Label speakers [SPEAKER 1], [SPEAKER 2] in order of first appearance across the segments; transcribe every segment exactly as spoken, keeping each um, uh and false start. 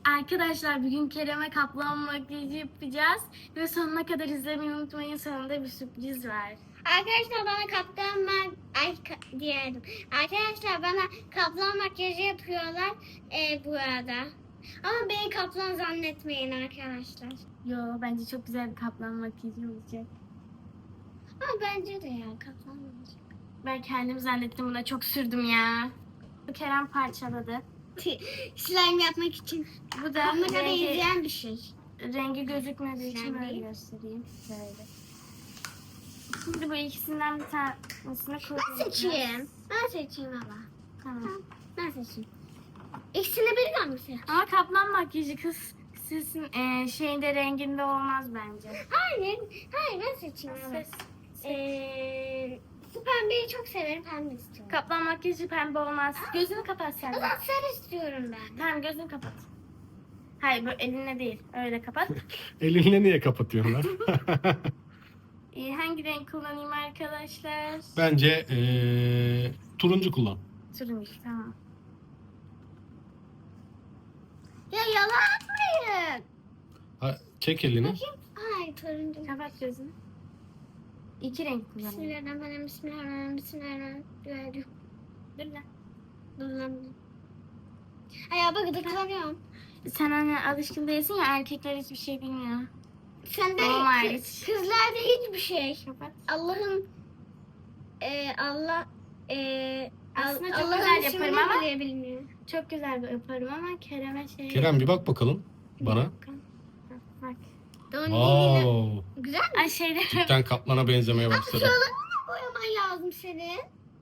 [SPEAKER 1] Arkadaşlar bugün Kerem'e kaplan makyajı yapacağız ve sonuna kadar izlemeyi unutmayın. Sonunda bir sürpriz var.
[SPEAKER 2] Arkadaşlar bana kaplan mak ay ka- diyelim. Arkadaşlar bana kaplan makyajı yapıyorlar e, bu arada. Ama beni kaplan zannetmeyin arkadaşlar.
[SPEAKER 1] Yo, bence çok güzel bir kaplan makyajı olacak.
[SPEAKER 2] Ama bence de ya kaplan olacak.
[SPEAKER 1] Ben kendim zannettim, buna çok sürdüm ya. Bu Kerem parçaladı.
[SPEAKER 2] Slime yapmak için.
[SPEAKER 1] Bu da
[SPEAKER 2] Kamerada
[SPEAKER 1] rengi,
[SPEAKER 2] izleyen bir şey.
[SPEAKER 1] rengi gözükmediği için
[SPEAKER 2] Slime
[SPEAKER 1] böyle
[SPEAKER 2] değil.
[SPEAKER 1] göstereyim. Böyle. Şimdi bu ikisinden bir tanesini
[SPEAKER 2] Ben
[SPEAKER 1] kullanacağız.
[SPEAKER 2] seçeyim. Ben seçeyim ama.
[SPEAKER 1] Tamam.
[SPEAKER 2] Ben seçeyim. İkisini birden mi seç?
[SPEAKER 1] Ama kaplan makyajı kız sizin e, şeyinde renginde olmaz bence.
[SPEAKER 2] Hayır. Hayır ben seçeyim. Evet.
[SPEAKER 1] Ses-
[SPEAKER 2] Ee, bu pembeyi çok severim. Pembe istiyorum.
[SPEAKER 1] Kaplan makyajı pembe olmaz. Gözünü kapat sen.
[SPEAKER 2] O
[SPEAKER 1] de.
[SPEAKER 2] zaman sarı istiyorum ben.
[SPEAKER 1] Tamam, gözünü kapat. Hayır, böyle elinle değil. Öyle kapat.
[SPEAKER 3] Elinle niye kapatıyorlar?
[SPEAKER 1] Ee, hangi renk kullanayım arkadaşlar?
[SPEAKER 3] Bence ee, turuncu kullan.
[SPEAKER 1] Turuncu, tamam.
[SPEAKER 2] Ya yalan atmayın.
[SPEAKER 3] Ha, çek elini.
[SPEAKER 2] Bakayım. Hayır turuncu.
[SPEAKER 1] Kapat gözünü. İki renk kullanayım.
[SPEAKER 2] Bismillahirrahmanirrahim. Bismillahirrahmanirrahim. Bismillahirrahmanirrahim.
[SPEAKER 1] Dur lan.
[SPEAKER 2] Dur lan. Ay ya bak gıdıklanıyorum.
[SPEAKER 1] Sen hani alışkın değilsin ya, erkekler hiçbir şey bilmiyor.
[SPEAKER 2] Sen de
[SPEAKER 1] Tamam,
[SPEAKER 2] kız-
[SPEAKER 1] hariç.
[SPEAKER 2] kızlarda hiçbir şey.
[SPEAKER 1] Kapat.
[SPEAKER 2] Allah'ın e, Allah e,
[SPEAKER 1] Aslında çok
[SPEAKER 2] Allah'ın
[SPEAKER 1] güzel
[SPEAKER 2] ismini
[SPEAKER 1] yaparım ama-
[SPEAKER 2] bile bilmiyor.
[SPEAKER 1] Çok güzel bir yaparım ama Kerem'e şey...
[SPEAKER 3] Kerem bir bak bakalım bana.
[SPEAKER 1] Bak.
[SPEAKER 2] Don wow.
[SPEAKER 3] Wow.
[SPEAKER 2] Güzel mi?
[SPEAKER 1] Ay şeyde...
[SPEAKER 3] Cidden kaplana benzemeye başladı.
[SPEAKER 2] Şuralarını boyaman lazım senin.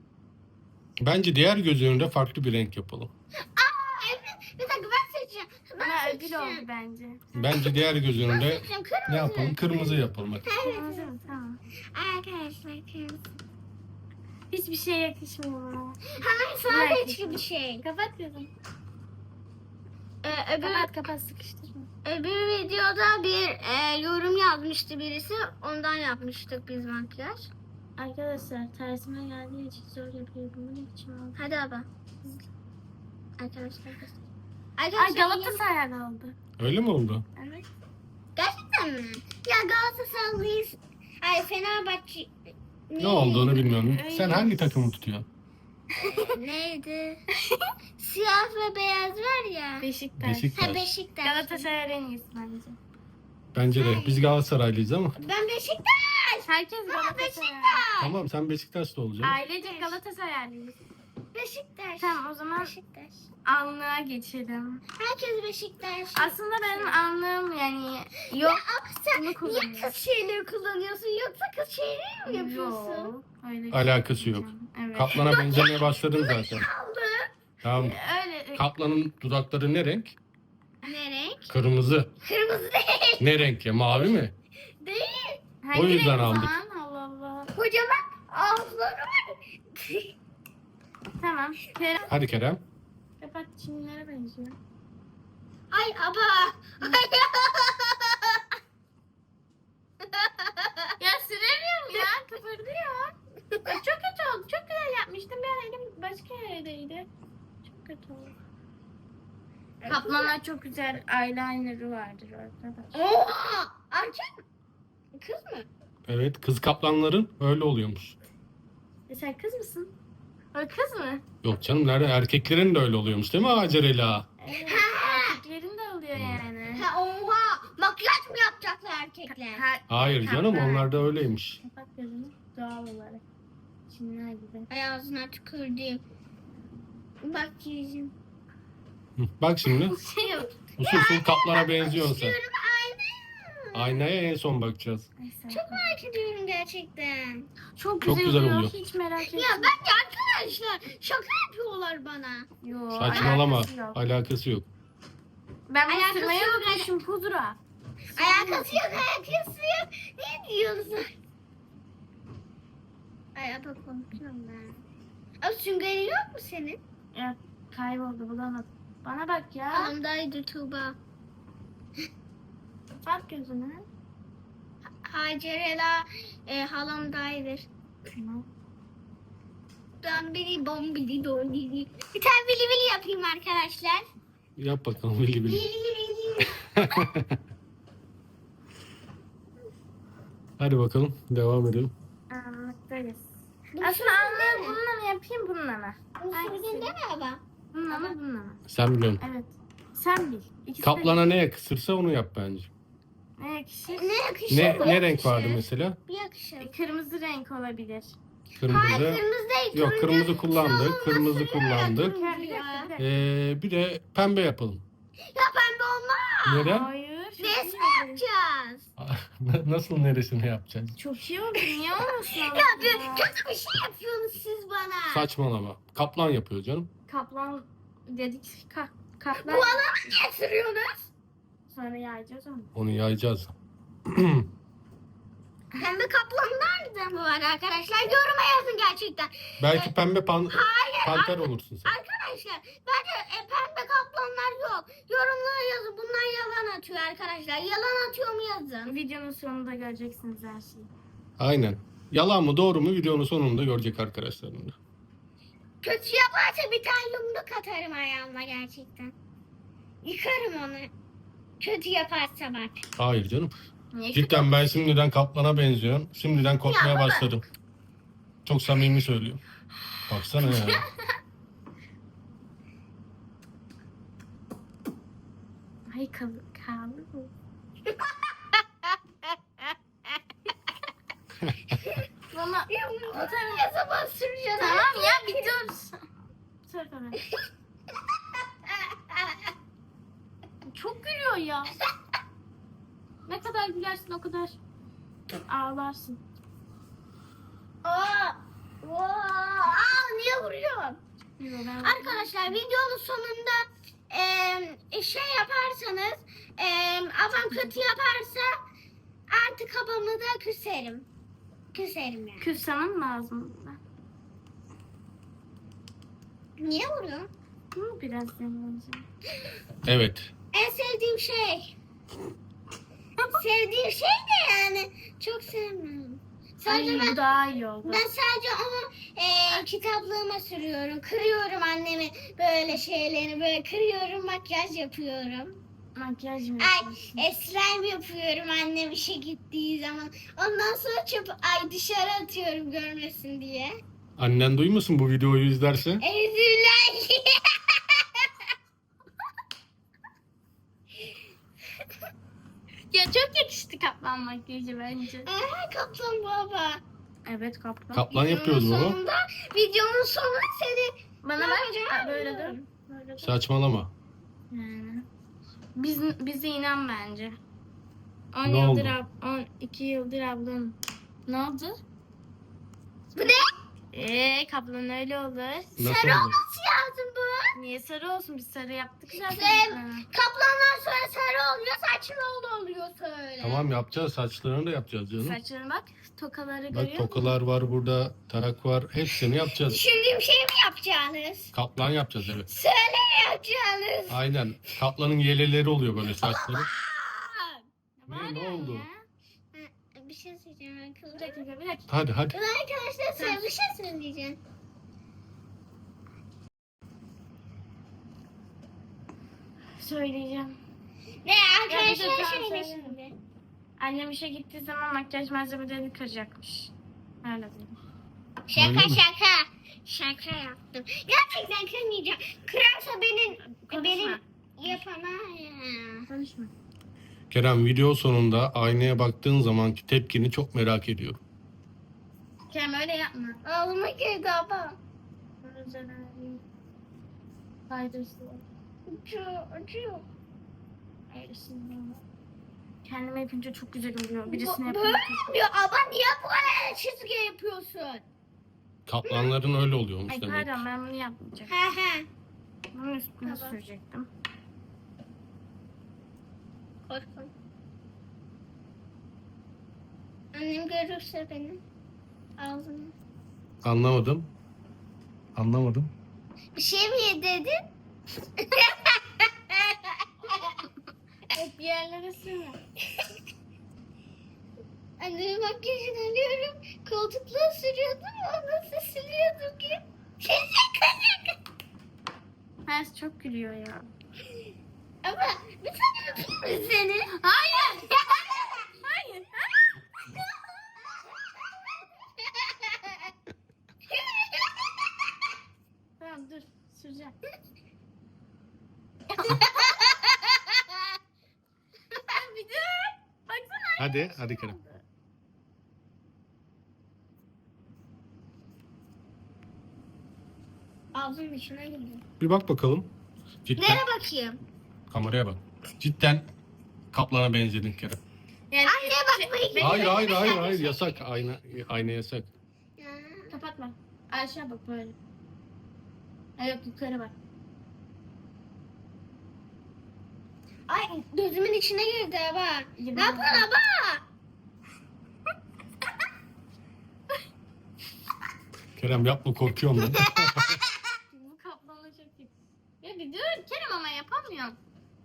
[SPEAKER 3] Bence diğer göz önünde farklı bir renk yapalım.
[SPEAKER 2] Aa evet. Bir dakika ben seçeceğim. Ben
[SPEAKER 1] Bana ödül
[SPEAKER 2] seçeceğim.
[SPEAKER 1] oldu bence.
[SPEAKER 3] Bence diğer göz
[SPEAKER 2] Ben
[SPEAKER 3] önünde
[SPEAKER 2] seçeceğim. Kırmızı.
[SPEAKER 3] ne yapalım? Kırmızı yapalım hadi.
[SPEAKER 1] Kırmızı mı? Tamam.
[SPEAKER 2] Arkadaşlar kırmızı.
[SPEAKER 1] Hiçbir şey yakışmıyor bana.
[SPEAKER 2] Hayır sadece bir şey.
[SPEAKER 1] Kapat gözünü.
[SPEAKER 2] Ee, öbür,
[SPEAKER 1] Kapat kapat, sıkıştırma.
[SPEAKER 2] öbür videoda bir e, yorum yazmıştı birisi. Ondan yapmıştık biz makyaj.
[SPEAKER 1] Arkadaşlar tersime geldiği için zor yapıyorum. Bu ne biçim oldu?
[SPEAKER 2] Hadi abi. Arkadaşlar.
[SPEAKER 1] Ay,
[SPEAKER 2] Arkadaşlar
[SPEAKER 1] Galatasaray'da oldu.
[SPEAKER 3] Öyle mi oldu?
[SPEAKER 1] Evet.
[SPEAKER 2] gerçekten mi? Ya Galatasaraylıyız. Ay Fenerbahçe.
[SPEAKER 3] Ne olduğunu bilmiyorum.
[SPEAKER 1] Öyle.
[SPEAKER 3] Sen hangi takımı tutuyorsun?
[SPEAKER 2] Neydi? Siyah ve beyaz var ya.
[SPEAKER 1] Beşiktaş.
[SPEAKER 3] Beşiktaş.
[SPEAKER 2] Ha Beşiktaş.
[SPEAKER 1] Galatasaray en iyisi bence.
[SPEAKER 3] Bence de. Biz Galatasaraylıyız ama.
[SPEAKER 2] Ben Beşiktaş.
[SPEAKER 1] Herkes
[SPEAKER 2] Ha,
[SPEAKER 1] Galatasaray.
[SPEAKER 2] Beşiktaş.
[SPEAKER 3] Tamam sen Beşiktaş'ta olacaksın.
[SPEAKER 1] Ailece Galatasaraylıyız.
[SPEAKER 2] Beşiktaş.
[SPEAKER 1] Tamam, o zaman
[SPEAKER 2] Beşiktaş.
[SPEAKER 1] anlığa geçelim.
[SPEAKER 2] Herkes Beşiktaş.
[SPEAKER 1] Aslında benim anlığım yani yok.
[SPEAKER 2] Ama sen
[SPEAKER 1] Bunu
[SPEAKER 2] niye
[SPEAKER 1] kullanıyorum.
[SPEAKER 2] kız şeyleri kullanıyorsun yoksa kız şeyleri mi yapıyorsun?
[SPEAKER 1] Yok. Öyle bir
[SPEAKER 3] Alakası
[SPEAKER 1] şey
[SPEAKER 3] yok.
[SPEAKER 1] yapacağım. Evet.
[SPEAKER 3] Kaplana benzemeye başladın zaten.
[SPEAKER 2] Aldı.
[SPEAKER 3] Tamam.
[SPEAKER 1] Öyle.
[SPEAKER 3] Kaplanın dudakları ne renk?
[SPEAKER 2] Ne renk?
[SPEAKER 3] Kırmızı.
[SPEAKER 2] Kırmızı değil.
[SPEAKER 3] Ne renk ya? Mavi mi?
[SPEAKER 2] Değil.
[SPEAKER 1] Hangi
[SPEAKER 3] O yüzden
[SPEAKER 1] renk
[SPEAKER 3] aldık.
[SPEAKER 1] falan? Allah Allah.
[SPEAKER 2] Kocaman ağızları var.
[SPEAKER 1] Tamam. Kerem.
[SPEAKER 3] Hadi Kerem.
[SPEAKER 1] Kapat, çimlere benziyor.
[SPEAKER 2] Ay aba.
[SPEAKER 1] Ya süremiyorum ya. Kıpırdıyor. Ya çok kötü oldu. Çok güzel yapmıştım. Bir an elim başka yerdeydi. Çok kötü oldu. Kaplanlar çok güzel eyeliner'ı vardır arkadaşlar.
[SPEAKER 2] Oha. Erkek mi? Kız mı?
[SPEAKER 3] Evet, kız kaplanların öyle oluyormuş.
[SPEAKER 1] E sen kız mısın? O kız mı?
[SPEAKER 3] Yok canım, nerede? Erkeklerin de öyle oluyormuş değil mi Acerela?
[SPEAKER 1] Evet. Erkeklerin de oluyor yani.
[SPEAKER 2] Ha, oha. Makyaj mı yapacaklar erkekler?
[SPEAKER 1] Ha-
[SPEAKER 3] Hayır canım,
[SPEAKER 1] kaplan.
[SPEAKER 3] onlar da öyleymiş.
[SPEAKER 1] Kapat gözünü. Doğal olarak. Çinler gibi.
[SPEAKER 2] Ay ağzına tükürdüm. Bak yüzüm.
[SPEAKER 3] Hı, Bak şimdi,
[SPEAKER 1] Şey yok.
[SPEAKER 3] usul usul kaplana benziyorsun sen.
[SPEAKER 2] İstiyorum ayna.
[SPEAKER 3] Aynaya en son bakacağız.
[SPEAKER 1] Neyse.
[SPEAKER 2] Çok merak ediyorum gerçekten.
[SPEAKER 1] Çok
[SPEAKER 3] Çok
[SPEAKER 1] güzel,
[SPEAKER 3] güzel
[SPEAKER 1] oluyor.
[SPEAKER 3] oluyor.
[SPEAKER 1] Hiç merak etme.
[SPEAKER 2] Ya bence arkadaşlar şaka yapıyorlar bana.
[SPEAKER 1] Yo,
[SPEAKER 3] Saçmalama,
[SPEAKER 1] alakası yok.
[SPEAKER 3] alakası yok.
[SPEAKER 1] Ben bunu
[SPEAKER 2] Alakası
[SPEAKER 1] sürmeye
[SPEAKER 2] yok.
[SPEAKER 1] unutmuşum, pudra.
[SPEAKER 2] Alakası yok, alakası yok. Ne diyorsun? Ay apa korkuyorum ben. Abi süngerin yok mu senin?
[SPEAKER 1] Ya kayboldu, bulamadım. Bana bak ya.
[SPEAKER 2] Halamdaydı Tuğba.
[SPEAKER 1] Bak gözüne.
[SPEAKER 2] Hacerela e, halamdaydır.
[SPEAKER 1] Tamam.
[SPEAKER 2] Ben bili bombili dolili. Bir tane bili bili yapayım arkadaşlar.
[SPEAKER 3] Yap bakalım, bili bili.
[SPEAKER 2] Bili bili
[SPEAKER 3] Hadi bakalım devam edelim.
[SPEAKER 1] Anlattayız.
[SPEAKER 2] Bu
[SPEAKER 1] Aslında
[SPEAKER 2] sürgünde
[SPEAKER 1] anlıyorum.
[SPEAKER 2] mi?
[SPEAKER 1] Bununla mı yapayım bununla mı?
[SPEAKER 2] Bu sürgünde mi baba?
[SPEAKER 1] Bununla mı bununla mı?
[SPEAKER 3] Sen biliyorsun.
[SPEAKER 1] Evet. Sen bil. İkisi de
[SPEAKER 3] Kaplana ne yakışırsa onu yap bence.
[SPEAKER 1] ne yakışır?
[SPEAKER 2] Ne yakışır?
[SPEAKER 3] Ne
[SPEAKER 2] bu
[SPEAKER 3] ne
[SPEAKER 2] yakışır.
[SPEAKER 3] renk vardı mesela?
[SPEAKER 2] Bu yakışır.
[SPEAKER 1] Kırmızı renk olabilir.
[SPEAKER 3] Kırmızı.
[SPEAKER 2] Hayır kırmızı değil.
[SPEAKER 3] Yok
[SPEAKER 2] turuncu.
[SPEAKER 3] kırmızı kullandık.
[SPEAKER 2] Şu
[SPEAKER 3] Kırmızı
[SPEAKER 2] olması
[SPEAKER 3] kullandık.
[SPEAKER 2] turuncu
[SPEAKER 1] Bir dakika,
[SPEAKER 2] ya.
[SPEAKER 1] bir dakika.
[SPEAKER 3] Ee, bir de pembe yapalım.
[SPEAKER 2] Ya pembe olmaz.
[SPEAKER 3] Neden?
[SPEAKER 1] Hayır. Çok
[SPEAKER 2] Resme
[SPEAKER 1] iyi oldu.
[SPEAKER 2] yapacağız.
[SPEAKER 3] Nasıl neresini yapacağız?
[SPEAKER 1] Çok iyi oldu. Niye olmasın?
[SPEAKER 2] Ya bir- kötü bir şey yapıyorsunuz siz bana.
[SPEAKER 3] Saçmalama. Kaplan yapıyor canım.
[SPEAKER 1] Kaplan dedik. Ka
[SPEAKER 2] Bu
[SPEAKER 1] kaplan.
[SPEAKER 2] adamı niye sürüyorsunuz?
[SPEAKER 1] Sonra yayacağız onu.
[SPEAKER 3] Onu yayacağız.
[SPEAKER 2] Pembe kaplan nerede bu var arkadaşlar? Yoruma yazın gerçekten.
[SPEAKER 3] Belki pembe pan
[SPEAKER 2] Hayır.
[SPEAKER 3] panter olursun sen.
[SPEAKER 2] Arkadaşlar bence e, pembe kaplanlar yok. Yorumlara yazın. Bunlar yalan atıyor arkadaşlar. Yalan atıyor mu yazın.
[SPEAKER 1] Videonun sonunda göreceksiniz her şeyi.
[SPEAKER 3] Aynen. Yalan mı doğru mu videonun sonunda görecek arkadaşlarım da.
[SPEAKER 2] Kötü yaparsa bir tane yumruk atarım ayağıma gerçekten. Yıkarım onu. Kötü yaparsa bak.
[SPEAKER 3] Hayır canım.
[SPEAKER 1] Niye
[SPEAKER 3] Cidden ben şimdiden kaplana benziyorum. Şimdiden korkmaya
[SPEAKER 2] Ya baba.
[SPEAKER 3] başladım. Çok samimi söylüyorum. Baksana ya.
[SPEAKER 1] Ay kalır kalır mı? Bana
[SPEAKER 2] Yumruk ne zaman süreceğim?
[SPEAKER 1] tamam ya bir dur. Sor bana. Çok gülüyor ya. Ne kadar gülersin o kadar ağlarsın.
[SPEAKER 2] Aa, aa, aa, niye vuruyorsun?
[SPEAKER 1] Yo, ben-
[SPEAKER 2] Arkadaşlar videonun sonunda e, şey yaparsanız e, abam kötü yaparsa artık abamı da küserim. Küserim yani.
[SPEAKER 1] Küsmem lazım.
[SPEAKER 2] Niye vuruyorsun?
[SPEAKER 1] Hı, biraz deneyeceğim.
[SPEAKER 3] Evet.
[SPEAKER 2] En sevdiğim şey. Sevdiğim şey de yani çok sevmem. Sadece
[SPEAKER 1] Ay, bu
[SPEAKER 2] ben,
[SPEAKER 1] daha iyi oldu.
[SPEAKER 2] ben sadece onu e, kitaplığıma sürüyorum. Kırıyorum annemi böyle şeylerini böyle kırıyorum makyaj yapıyorum.
[SPEAKER 1] Makyaj mı
[SPEAKER 2] Ay
[SPEAKER 1] yapıyorsun?
[SPEAKER 2] e, slime yapıyorum annem işe gittiği zaman. Ondan sonra çöp ay dışarı atıyorum görmesin diye.
[SPEAKER 3] Annen duymasın bu videoyu izlerse.
[SPEAKER 2] Ezüler.
[SPEAKER 1] Ya çok yakıştı kaplan makyajı bence.
[SPEAKER 2] Aha kaplan baba.
[SPEAKER 1] Evet kaplan.
[SPEAKER 3] Kaplan yapıyoruz
[SPEAKER 2] Videonun
[SPEAKER 3] baba.
[SPEAKER 2] sonunda, videonun sonunda seni
[SPEAKER 1] Bana
[SPEAKER 2] ne
[SPEAKER 1] bak.
[SPEAKER 2] yapacağım?
[SPEAKER 1] Ha, böyle dur. Böyle dur.
[SPEAKER 3] Saçmalama.
[SPEAKER 1] Yani. Biz, bize inan bence. on
[SPEAKER 3] Ne
[SPEAKER 1] yıldır
[SPEAKER 3] oldu?
[SPEAKER 1] ab, on iki yıldır ablam. Ne oldu?
[SPEAKER 2] Bu ne?
[SPEAKER 1] Eee kaplan öyle olur.
[SPEAKER 3] Nasıl
[SPEAKER 2] Sarı
[SPEAKER 3] oldu?
[SPEAKER 2] olması lazım bu.
[SPEAKER 1] Niye sarı olsun? Biz sarı yaptık zaten.
[SPEAKER 2] Sen-
[SPEAKER 1] Ha.
[SPEAKER 2] Kaplanlar sonra sarı oluyor, saçlı oluyor söyle.
[SPEAKER 3] Tamam yapacağız. Saçlarını da yapacağız canım.
[SPEAKER 1] Saçlarına bak. Tokaları görüyor
[SPEAKER 3] Bak
[SPEAKER 1] musun?
[SPEAKER 3] tokalar var burada. Tarak var. Hepsini yapacağız.
[SPEAKER 2] Düşündüğüm şeyi mi yapacaksınız?
[SPEAKER 3] Kaplan yapacağız evet.
[SPEAKER 2] Söyle ne yapacaksınız?
[SPEAKER 3] Aynen. Kaplanın yeleleri oluyor böyle saçları.
[SPEAKER 2] Aa!
[SPEAKER 1] Ne
[SPEAKER 3] Ne, ne
[SPEAKER 1] bağırıyorsun
[SPEAKER 3] oldu?
[SPEAKER 1] ya?
[SPEAKER 2] Ha, Bir şey söyleyeceğim
[SPEAKER 1] Bir
[SPEAKER 2] arkadaşlar.
[SPEAKER 1] dakika bir dakika.
[SPEAKER 3] Hadi hadi.
[SPEAKER 2] Ben arkadaşlar size bir şey söyleyeceğim.
[SPEAKER 1] Söyleyeceğim.
[SPEAKER 2] Ne
[SPEAKER 1] Ya bir de
[SPEAKER 2] arkadaşlar
[SPEAKER 1] tamam,
[SPEAKER 2] söyle
[SPEAKER 1] söyle.
[SPEAKER 2] şimdi.
[SPEAKER 1] Annem işe gittiği zaman makyaj malzemelerini kıracakmış. Öyle dedi.
[SPEAKER 2] Şaka
[SPEAKER 3] Öyle mi?
[SPEAKER 2] şaka. Şaka yaptım. Gerçekten kırmayacağım. Kırarsa benim
[SPEAKER 1] Konuşma.
[SPEAKER 2] benim yapana ya.
[SPEAKER 1] Konuşma.
[SPEAKER 3] Kerem video sonunda aynaya baktığın zamanki tepkini çok merak ediyorum.
[SPEAKER 1] Kerem öyle yapma.
[SPEAKER 2] Ağlıma girdi abla.
[SPEAKER 1] Faydası.
[SPEAKER 2] Acıyor, acıyor.
[SPEAKER 1] Kendime yapınca çok güzel oluyor. Birisine
[SPEAKER 2] Bu-
[SPEAKER 1] yapınca.
[SPEAKER 2] Böyle yapıyor. Abla niye böyle çizgi yapıyorsun?
[SPEAKER 3] Kaplanların öyle oluyormuş
[SPEAKER 1] Ay
[SPEAKER 3] demek.
[SPEAKER 1] pardon ben bunu yapmayacağım.
[SPEAKER 2] He he.
[SPEAKER 1] Bunun üstüne
[SPEAKER 2] Tamam.
[SPEAKER 1] sürecektim.
[SPEAKER 2] Korkun. Annem görürse beni. Ağzını.
[SPEAKER 3] Anlamadım. Anlamadım.
[SPEAKER 2] Bir şey mi yedirdin?
[SPEAKER 1] Hep bir yerlere sürme.
[SPEAKER 2] Annemin makyajını alıyorum. Koltukluğa sürüyordum. O nasıl siliyordum ki? Şaka şaka.
[SPEAKER 1] Her çok gülüyor ya.
[SPEAKER 2] Ama bir tane öpeyim
[SPEAKER 3] Hadi, hadi Kerem.
[SPEAKER 2] Ağzımın içine girdi.
[SPEAKER 3] Bir bak bakalım. Cidden
[SPEAKER 2] Nereye bakayım?
[SPEAKER 3] kameraya bak. Cidden kaplana benzedin Kerem.
[SPEAKER 1] Yani,
[SPEAKER 2] Anne bak
[SPEAKER 1] şey-
[SPEAKER 2] bakayım.
[SPEAKER 3] Hayır hayır hayır hayır yasak. Ayna ayna yasak.
[SPEAKER 1] Kapatma. Aşağı bak böyle. Ay yok yukarı bak.
[SPEAKER 2] Ay gözümün içine girdi bak.
[SPEAKER 1] Yemin
[SPEAKER 2] Ne yapıyorsun
[SPEAKER 1] ederim.
[SPEAKER 2] baba?
[SPEAKER 3] Kerem yapma korkuyorum ben.
[SPEAKER 1] Bu kaplanla çok iyi. Ya bir dur Kerem ama yapamıyorum.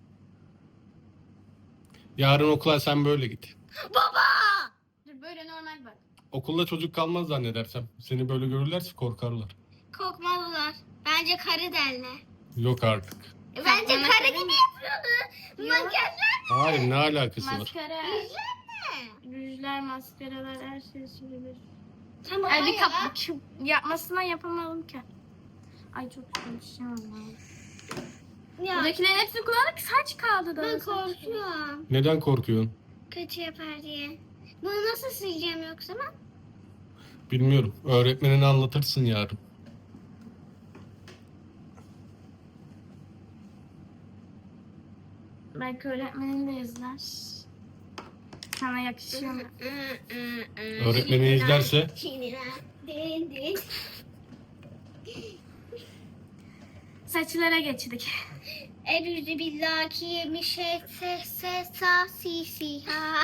[SPEAKER 3] Yarın okula sen böyle git.
[SPEAKER 2] Baba!
[SPEAKER 1] Dur böyle normal bak.
[SPEAKER 3] Okulda çocuk kalmaz zannedersem. Seni böyle görürlerse korkarlar.
[SPEAKER 2] Korkmazlar. Bence karı derler.
[SPEAKER 3] Yok artık.
[SPEAKER 2] Bence
[SPEAKER 1] Bana
[SPEAKER 2] karı
[SPEAKER 1] karı
[SPEAKER 2] gibi
[SPEAKER 1] mı?
[SPEAKER 2] yapıyordu.
[SPEAKER 1] Yok.
[SPEAKER 2] Makyajlar
[SPEAKER 3] Hayır ne alakası var?
[SPEAKER 1] Maskara,
[SPEAKER 2] ne?
[SPEAKER 1] rujlar, maskaralar her şey sürülür.
[SPEAKER 2] Tamam
[SPEAKER 1] Ay bir
[SPEAKER 2] ya.
[SPEAKER 1] kap şu yapmasına yapamadım ki. Ay çok konuşamam.
[SPEAKER 2] Ya
[SPEAKER 1] Buradakilerin hepsini kullandık saç kaldı da.
[SPEAKER 2] ben korkuyorum.
[SPEAKER 3] Neden korkuyorsun?
[SPEAKER 2] Kötü yapar diye. Bunu nasıl sileceğim yoksa ben?
[SPEAKER 3] Bilmiyorum. Öğretmenine anlatırsın yarın.
[SPEAKER 1] Belki öğretmenin de izler. Sana yakışıyor mu?
[SPEAKER 3] Öğretmeni izlerse
[SPEAKER 1] Saçlara geçtik.
[SPEAKER 2] Erüzü billahi yemiş se se sa si si ha.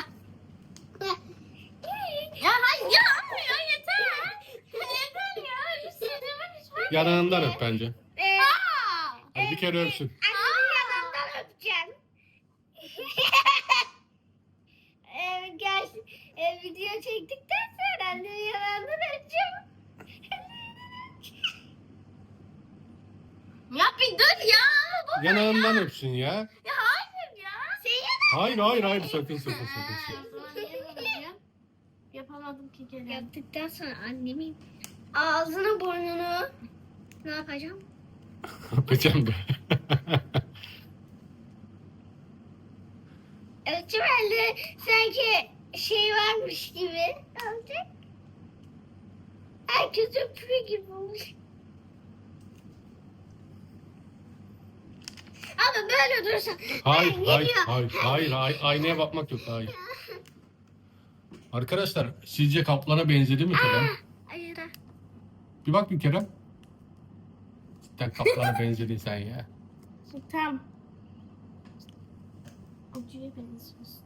[SPEAKER 1] Ya hayır ya ama ya yeter. Yeter ya. Üstüme hiç
[SPEAKER 3] yanağından öp bence.
[SPEAKER 2] Ee,
[SPEAKER 3] Hadi bir kere öpsün.
[SPEAKER 2] Annemin yanından öpeceğim. ee, gel, e, video çektikten sonra annemin yanından öpeceğim.
[SPEAKER 1] Ya bir dur ya. Bu
[SPEAKER 3] Yanağından öpsün ya.
[SPEAKER 1] ya hayır ya.
[SPEAKER 2] Senin
[SPEAKER 3] Hayır hayır hayır sakın sakın
[SPEAKER 1] Ha,
[SPEAKER 3] sakın.
[SPEAKER 1] o zaman niye böyle diyorsun? Yapamadım ki gene.
[SPEAKER 2] yaptıktan sonra annemin ağzını burnunu ne yapacağım?
[SPEAKER 3] Öpeceğim de.
[SPEAKER 2] Ölçüm elde sanki şey varmış gibi olacak. Herkes öpüyor gibi olmuş. Ama böyle durursa
[SPEAKER 3] Hayır
[SPEAKER 2] Ay,
[SPEAKER 3] hayır
[SPEAKER 2] geliyor.
[SPEAKER 3] hayır hayır hayır aynaya bakmak yok hayır. Arkadaşlar sizce kaplana benzedi mi Kerem?
[SPEAKER 2] Hayır.
[SPEAKER 3] Bir bak bir Kerem. Cidden kaplana benzedin sen ya.
[SPEAKER 1] Tamam. Ucuya benziyorsun.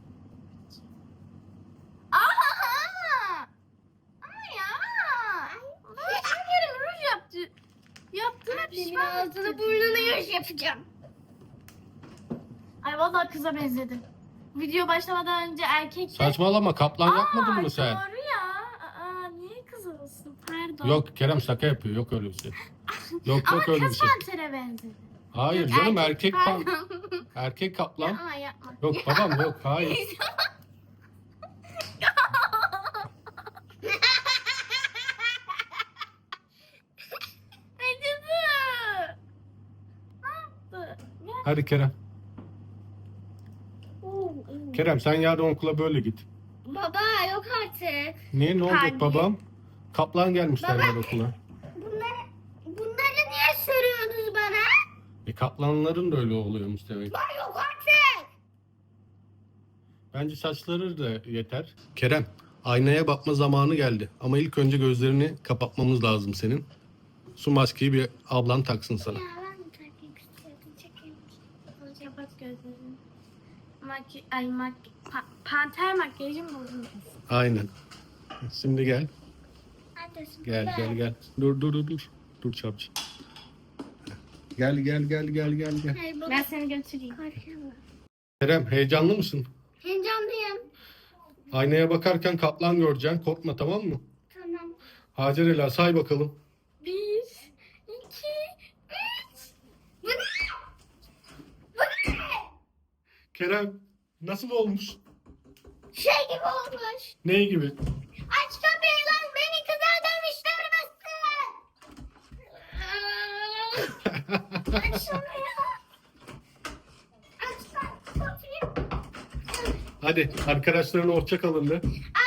[SPEAKER 1] Aha! Ama ya! Ben bir kere ruj yaptı. Yaptığına
[SPEAKER 2] Annemin
[SPEAKER 1] pişman
[SPEAKER 2] ağzını
[SPEAKER 1] ettim.
[SPEAKER 2] burnunu yaş yapacağım.
[SPEAKER 1] Ay vallahi kıza benzedim. Video başlamadan önce erkek...
[SPEAKER 3] Saçmalama kaplan
[SPEAKER 1] Aa,
[SPEAKER 3] yapmadın mı sen?
[SPEAKER 1] Doğru ya. Aa, niye kız olsun? Pardon.
[SPEAKER 3] Yok Kerem şaka yapıyor yok öyle bir şey. Yok
[SPEAKER 1] Ama
[SPEAKER 3] yok öyle bir
[SPEAKER 1] kız
[SPEAKER 3] şey.
[SPEAKER 1] pantere benzedi.
[SPEAKER 3] Hayır
[SPEAKER 1] Yok,
[SPEAKER 3] canım erkek pan
[SPEAKER 1] pardon.
[SPEAKER 3] erkek kaplan.
[SPEAKER 1] Yapma yapma.
[SPEAKER 3] Yok babam yok hayır.
[SPEAKER 1] Acıdı. Ne yaptı? Gel.
[SPEAKER 3] Hadi Kerem. Kerem sen yarın okula böyle git.
[SPEAKER 2] Baba yok artık.
[SPEAKER 3] Niye ne olacak
[SPEAKER 1] Hadi.
[SPEAKER 3] babam? Kaplan gelmiş
[SPEAKER 2] Baba.
[SPEAKER 3] derler okula.
[SPEAKER 2] Bunları, bunları niye soruyorsunuz bana?
[SPEAKER 3] E kaplanların da öyle oluyormuş demek.
[SPEAKER 2] Baba yok artık.
[SPEAKER 3] Bence saçları da yeter. Kerem, aynaya bakma zamanı geldi. Ama ilk önce gözlerini kapatmamız lazım senin. Su maskeyi bir ablan taksın sana.
[SPEAKER 2] Ya ben mi takayım istiyordum çekeyim.
[SPEAKER 1] Kapat gözlerini. Maki ay mak pa- panter makyajım bozuldu.
[SPEAKER 3] Aynen. Şimdi gel.
[SPEAKER 2] Neredesin?
[SPEAKER 3] Gel
[SPEAKER 2] Baba.
[SPEAKER 3] gel gel. Dur dur dur dur. Dur çabuk. Gel gel gel gel gel gel.
[SPEAKER 2] Hayır baba.
[SPEAKER 1] Ben seni götüreyim.
[SPEAKER 2] Korkuyorum.
[SPEAKER 3] Kerem heyecanlı mısın?
[SPEAKER 2] Heyecanlıyım.
[SPEAKER 3] Aynaya bakarken kaplan göreceksin. Korkma tamam mı?
[SPEAKER 2] Tamam.
[SPEAKER 3] Hacer Ela say bakalım.
[SPEAKER 1] Bir, iki, üç.
[SPEAKER 2] Bu ne? Bu ne?
[SPEAKER 3] Kerem nasıl olmuş?
[SPEAKER 2] Şey gibi olmuş.
[SPEAKER 3] Ney gibi?
[SPEAKER 2] Aç kapıyı lan beni kıza dönüştürmesin. Aç şunu ya. Aç lan kapıyı.
[SPEAKER 3] Hadi arkadaşlarına hoşça kalın de.